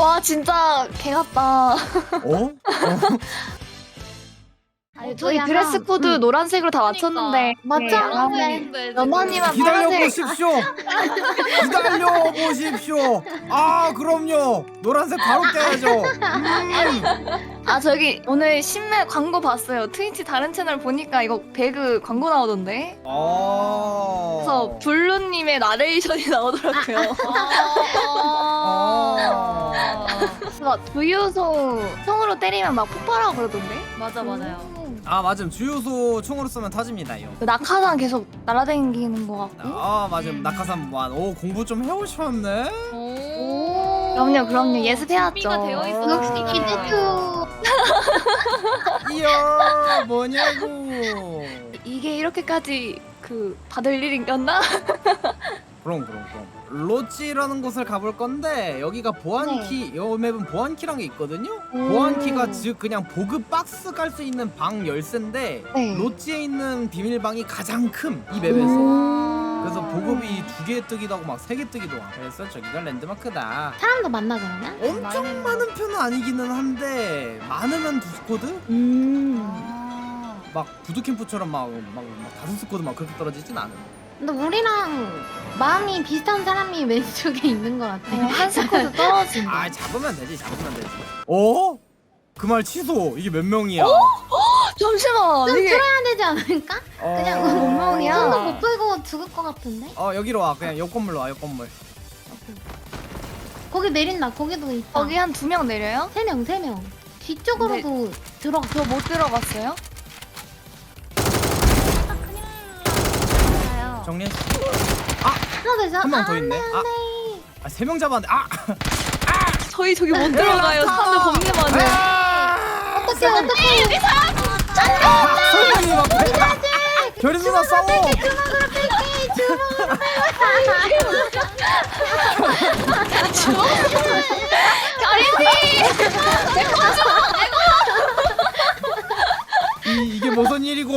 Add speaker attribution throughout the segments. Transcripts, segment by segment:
Speaker 1: 와 진짜 개 같다.
Speaker 2: 어?
Speaker 1: 아니, 저희 드레스 코드 노란색으로 다 맞췄는데
Speaker 3: 맞죠?
Speaker 1: 연아님만
Speaker 2: 기다려
Speaker 1: 파란색.
Speaker 2: 보십시오. 기다려 보십시오. 아 그럼요. 노란색 바로 껴야죠.
Speaker 1: 아 저기 오늘 신매 광고 봤어요. 트위치 다른 채널 보니까 이거 배그 광고 나오던데. 그래서 블루님의 나레이션이 나오더라고요. 그래서 주유소 총으로 때리면 막 폭발하고 그러던데.
Speaker 3: 맞아 맞아요.
Speaker 2: 아 맞음 주유소 총으로 쏘면 터집니다요.
Speaker 1: 그 낙하산 계속 날아다니는 것 같고.
Speaker 2: 아 맞음 낙하산만. 오 공부 좀 해오셨네.
Speaker 1: 그럼요 예습해왔죠.
Speaker 3: 준비가 되어 있어.
Speaker 1: 역시
Speaker 3: 기대투.
Speaker 2: 이야 뭐냐고.
Speaker 1: 이게 이렇게까지 그 받을 일인가?
Speaker 2: 그럼. 로찌라는 곳을 가볼 건데 여기가 보안키, 요 맵은 보안키란 게 있거든요. 보안키가 즉 그냥 보급 박스 갈 수 있는 방 열쇠인데
Speaker 1: 네.
Speaker 2: 로찌에 있는 비밀방이 가장 큰 이 맵에서. 그래서 보급이 2개 뜨기도 하고 막 3개 뜨기도 하고. 그래서 저기가 랜드마크다.
Speaker 3: 사람도 만나 그러면?
Speaker 2: 엄청 많은 편은 아니기는 한데 많으면 2스쿼드? 막 부두캠프처럼 막 5스쿼드 막 그렇게 떨어지진 않아요.
Speaker 3: 근데 우리랑 마음이 비슷한 사람이 왼쪽에 있는 것 같아.
Speaker 1: 한 스쿼드 떨어진다.
Speaker 2: 아 잡으면 되지. 어? 그 말 취소. 이게 몇 명이야?
Speaker 1: 잠시만
Speaker 3: 좀
Speaker 1: 이게
Speaker 3: 틀어야 되지 않을까? 그냥
Speaker 1: 몇 명이야?
Speaker 3: 손도 못 풀고 죽을 것 같은데?
Speaker 2: 여기로 와. 그냥 옆 건물로 와. 옆 건물.
Speaker 3: 거기 내린다. 거기도 있다.
Speaker 1: 거기 한 2명 내려요?
Speaker 3: 3명. 뒤쪽으로도 들어가.
Speaker 1: 저 못 들어갔어요?
Speaker 2: 정리.
Speaker 3: 하나 더 있어.
Speaker 2: 한 명 더 있네. 아, 3명 잡았는데.
Speaker 1: 저희 저기 못 들어가요. 사람들 겁나 많아요.
Speaker 3: 어떡해.
Speaker 2: 설명이 막. 별이 누나 싸워. 이게 무슨 일이고?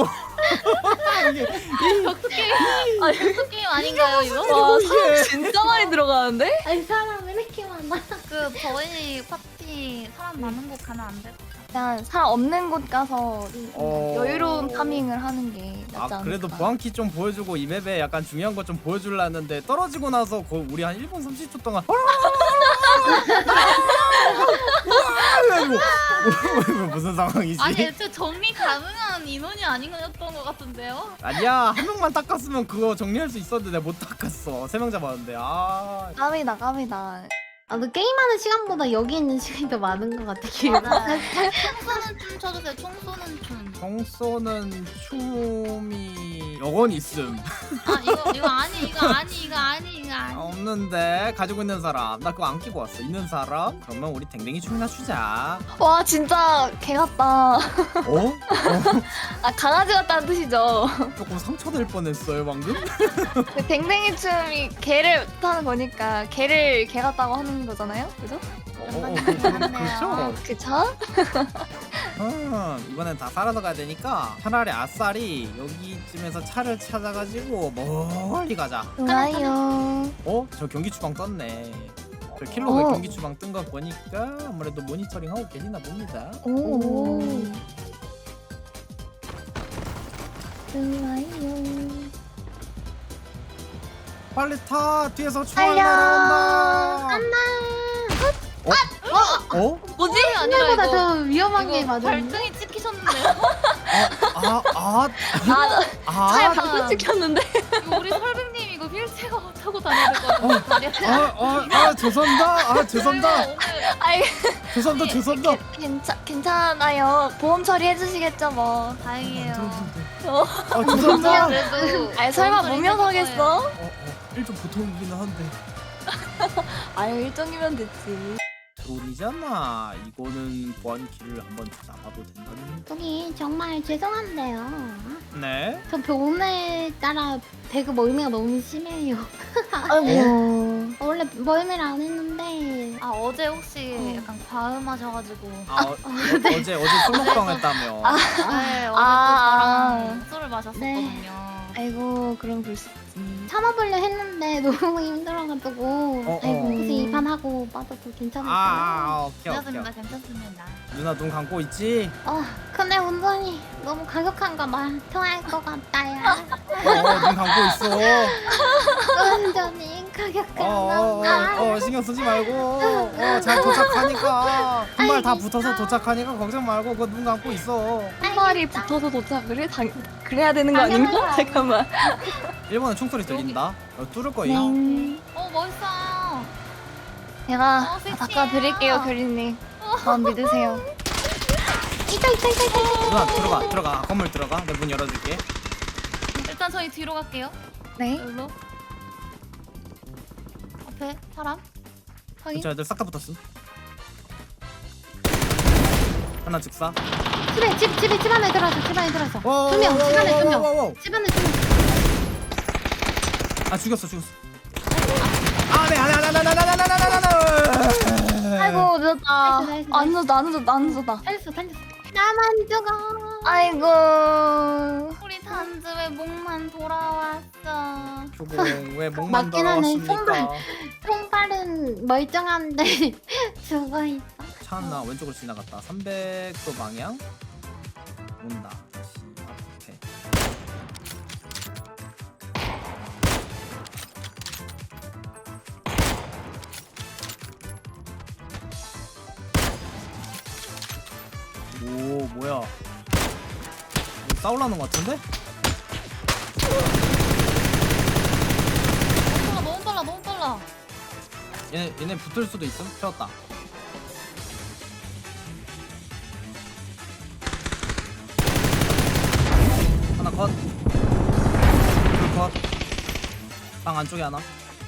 Speaker 4: 게임 아닌가요 이거?
Speaker 1: 와 사람 진짜 많이 들어가는데?
Speaker 3: 아니 사람 왜 이렇게 많아?
Speaker 4: 그 저희 파티 사람 많은 곳 가면 안 돼?
Speaker 1: 그냥 사람 없는 곳 가서 여유로운 파밍을 하는 게 낫지 않을까.
Speaker 2: 그래도 보안키 좀 보여주고 이 맵에 약간 중요한 거 좀 보여줄라 했는데 떨어지고 나서 우리 한 1분 30초 동안 이거 무슨 상황이지?
Speaker 4: 아니 애초에 정리 가능한 인원이 아니었던 것 같은데요?
Speaker 2: 아니야 한 명만 닦았으면 그거 정리할 수 있었는데 내가 못 닦았어. 3명 잡았는데.
Speaker 1: 까미다.
Speaker 3: 너 게임하는 시간보다 여기 있는 시간이 더 많은 것 같아. 기회가.
Speaker 4: 총 쏘는 춤 쳐주세요. 총 쏘는 춤.
Speaker 2: 총 쏘는 춤이 영원 있음.
Speaker 4: 아 이거 아니.
Speaker 2: 없는데 가지고 있는 사람. 나 그거 안 끼고 왔어. 있는 사람? 그러면 우리 댕댕이 춤이나 추자.
Speaker 1: 와 진짜 개 같다.
Speaker 2: 어?
Speaker 1: 아 강아지 같다는 뜻이죠.
Speaker 2: 조금 상처될 뻔했어요 방금.
Speaker 1: 그 댕댕이 춤이 개를 뜻하는 거니까 개를 개 같다고 하는 거잖아요, 그죠?
Speaker 2: 그렇죠.
Speaker 1: 그쵸?
Speaker 2: 이번엔 다 살아서 가야 되니까 차라리 아싸리 여기쯤에서 차를 찾아가지고 멀리 가자.
Speaker 1: 좋아요.
Speaker 2: 저 경기 추방 떴네. 저 킬로가
Speaker 1: 어.
Speaker 2: 경기 추방 뜬 거 보니까 아무래도 모니터링 하고 계시나 봅니다.
Speaker 1: 오. 좋아요.
Speaker 2: 빨리 타. 뒤에서 총알
Speaker 1: 달려.
Speaker 2: 날아온다.
Speaker 4: 뭐지?
Speaker 3: 생각보다 더 위험한 게
Speaker 4: 이거
Speaker 3: 맞아.
Speaker 4: 발등이 찍히셨는데요?
Speaker 1: 차에 방금 찍혔는데.
Speaker 4: 이거 우리 설백님 이거 휠체어 타고 다녀야 될 것 같아요.
Speaker 2: 죄송합니다.
Speaker 1: 아이
Speaker 2: 죄송합니다.
Speaker 1: 괜찮아요. 보험 처리해 주시겠죠 뭐.
Speaker 4: 다행이에요.
Speaker 2: 죄송합니다.
Speaker 4: 그래도
Speaker 1: 아이 설마
Speaker 4: 보험
Speaker 1: 무면
Speaker 4: 처리 해줄 거예요.
Speaker 1: 서겠어?
Speaker 2: 일좀 보통이긴 한데.
Speaker 1: 아유 일정이면 됐지.
Speaker 2: 드론이잖아. 이거는 보안키를 한번 잡아도 된다는.
Speaker 3: 여기 정말 죄송한데요.
Speaker 2: 네.
Speaker 3: 저 오늘따라 배그 멀미가 너무 심해요.
Speaker 1: 아이고.
Speaker 3: 원래 멀미를 안 했는데
Speaker 4: 아 어제 혹시 약간 과음하셔가지고
Speaker 2: 어제 술 먹방 했다며.
Speaker 4: 네 어제 또
Speaker 1: 아.
Speaker 4: 저랑 술을 마셨었거든요.
Speaker 1: 아이고 그럼 그럴 수 있지.
Speaker 3: 참아보려 했는데 너무 힘들어가지고 아이고 혹시 이 판 하고 빠져도 괜찮을까요?
Speaker 2: 오케이 오케이.
Speaker 4: 괜찮습니다. 괜찮습니다.
Speaker 2: 누나 눈 감고 있지?
Speaker 3: 근데 운전이 너무 가격한가 말 통할 것 같다요.
Speaker 2: 눈 감고 있어.
Speaker 3: 운전이 가격한가.
Speaker 2: 신경 쓰지 말고 잘 도착하니까 한 발 다 붙어서 도착하니까 걱정 말고 그 눈 감고 있어.
Speaker 1: 한 마리 붙어서 도착을 해? 그래야 되는 거 아닌가?
Speaker 3: 당연하죠.
Speaker 1: 잠깐만.
Speaker 2: 1번에 총소리 들린다. 뚫을 거임.
Speaker 1: 네.
Speaker 4: 멋있어.
Speaker 1: 제가
Speaker 4: 섹시해요.
Speaker 1: 다 닦아드릴게요, 교리님. 마음 믿으세요.
Speaker 3: 있다.
Speaker 2: 누나 들어가. 건물 들어가. 내 문 열어줄게.
Speaker 4: 일단 저희 뒤로 갈게요.
Speaker 1: 네.
Speaker 4: 여기로. 앞에 사람.
Speaker 1: 확인.
Speaker 2: 저 애들 싹 다 붙었음. 하나 즉사.
Speaker 3: 집 안에 들어서. 2명. 집 안에 2명. 집 안에 2명.
Speaker 2: 아 죽였어.
Speaker 1: 아이고, 늦었다.
Speaker 3: 나이스.
Speaker 1: 안 늦었다.
Speaker 3: 살렸어. 나만 죽어.
Speaker 1: 아이고.
Speaker 4: 우리 단지 왜 목만 돌아왔어.
Speaker 2: 교봉 왜 목만
Speaker 3: 맞긴 하네.
Speaker 2: 돌아왔습니까?
Speaker 3: 손발은 멀쩡한데 죽어있어.
Speaker 2: 차 하나 왼쪽으로 지나갔다. 300도 방향 온다. 다시 앞에. 오 뭐야? 이거 싸우려는 것 같은데?
Speaker 4: 너무 빨라.
Speaker 2: 얘네 붙을 수도 있음. 세웠다. 하나 컷. 둘 컷. 방 안쪽에 하나.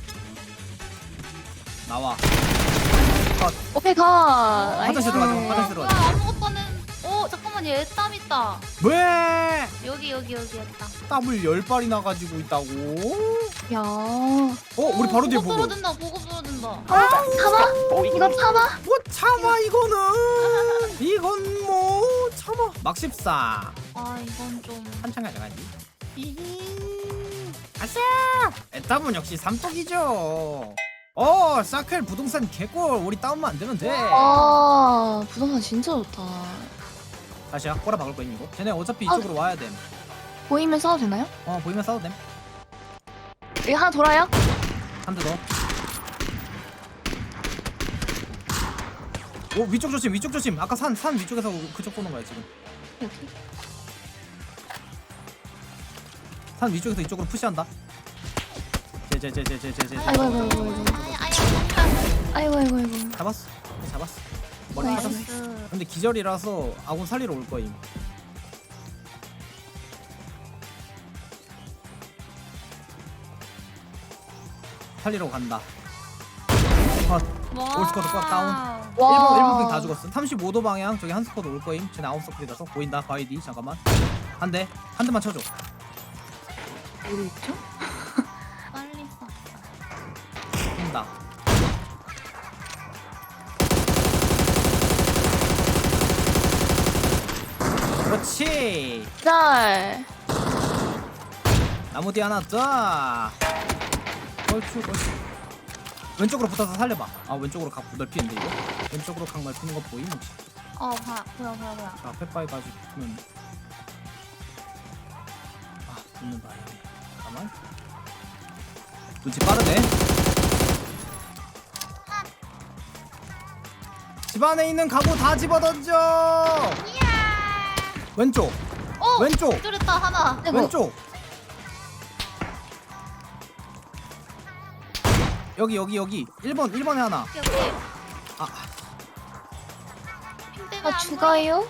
Speaker 2: 나와.
Speaker 1: 오케이, 가.
Speaker 2: 화장실 들어가자. 화장실
Speaker 4: 뭐야,
Speaker 2: 들어가자.
Speaker 4: 아무것도 안 했. 잠깐만 얘 땀 있다.
Speaker 2: 왜?
Speaker 4: 여기 있다.
Speaker 2: 땀을 10발이나 가지고 있다고?
Speaker 1: 야.
Speaker 2: 우리 바로 뒤에 보고.
Speaker 4: 떨어진다. 보고 떨어진다.
Speaker 1: 참아? 이거 참아?
Speaker 2: 뭐 참아 이거는. 이건 뭐 참아. 막 14.
Speaker 4: 이건 좀.
Speaker 2: 한참 가져가지. 아싸! 에따분 역시 삼떡이죠. 사클 부동산 개꿀. 우리 다운만 안 되면 돼.
Speaker 1: 부동산 진짜 좋다.
Speaker 2: 다시야 꼬라 박을 거임 이거. 쟤네 어차피 이쪽으로 와야 됨.
Speaker 1: 보이면 싸워도 되나요?
Speaker 2: 보이면 싸워도 됨.
Speaker 1: 여기 하나 돌아요?
Speaker 2: 한 대 더. 위쪽 조심. 아까 산 위쪽에서 그쪽 보는 거야 지금.
Speaker 1: 여기.
Speaker 2: 산 위쪽에서 이쪽으로 푸시한다. 제.
Speaker 1: 아이고.
Speaker 2: 잡았어. 머리
Speaker 1: 나이스.
Speaker 2: 잡았어. 근데 기절이라서 아군 살리러 올 거임. 살리러 간다. 컷. 올스쿼드 컷 다운.
Speaker 1: 와.
Speaker 2: 1번 다 죽었어. 35도 방향 저기 한 스쿼드 올 거임. 쟤네 아웃서클이라서 보인다. 바이디 잠깐만. 한 대만 쳐줘.
Speaker 1: 어디 있죠?
Speaker 4: 빨리 써.
Speaker 2: 뛴다. 그렇지.
Speaker 1: 짤.
Speaker 2: 나무 뒤 하나 더. 걸추. 왼쪽으로 붙어서 살려봐. 왼쪽으로 각 넓히는데 이거? 왼쪽으로 각 넓히는 거 보임 혹시?
Speaker 4: 뭐야.
Speaker 2: 자, 페빠이 가지고 붙으면 붙는다. 잠깐만. 눈치 빠르네. 집 안에 있는 가구 다 집어던져. 왼쪽. 왼쪽.
Speaker 4: 기절했다 하나.
Speaker 2: 왼쪽. 여기 1번에 하나.
Speaker 4: 여기. 핑 때문에 안
Speaker 1: 죽어요?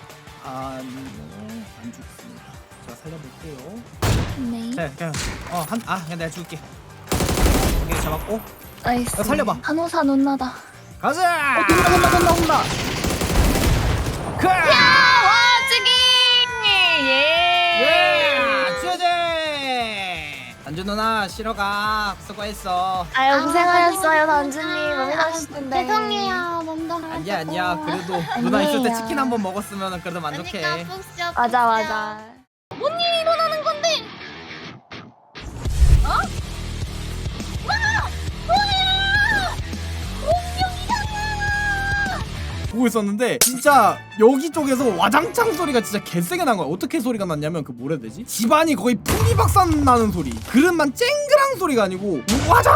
Speaker 2: 안 죽습니다. 제가 살려볼게요.
Speaker 1: 네.
Speaker 2: 자, 그냥 내가 죽을게. 오케이, 잡았고.
Speaker 1: 나이스.
Speaker 2: 야, 살려봐.
Speaker 1: 한호사 논나다.
Speaker 2: 가자!
Speaker 1: 온다.
Speaker 2: 와,
Speaker 1: 찌기!
Speaker 2: 취재! 단주 누나 쉬러 가. 수고했어.
Speaker 1: 아유, 고생하셨어요, 단주님. 너무 맛있을 텐데.
Speaker 3: 죄송해요. 먼저
Speaker 2: 아니야. 그래도 누나 있을 때 치킨 한 번 먹었으면 그래도 만족해.
Speaker 4: 그러니까 푹
Speaker 1: 맞아.
Speaker 4: 뭔 일이 일어나는 건데?
Speaker 2: 보고 있었는데 진짜 여기 쪽에서 와장창 소리가 진짜 개세게 난 거야. 어떻게 소리가 났냐면 그 뭐라 해야 되지? 집안이 거의 풍비박산 나는 소리. 그릇만 쨍그랑 소리가 아니고 와장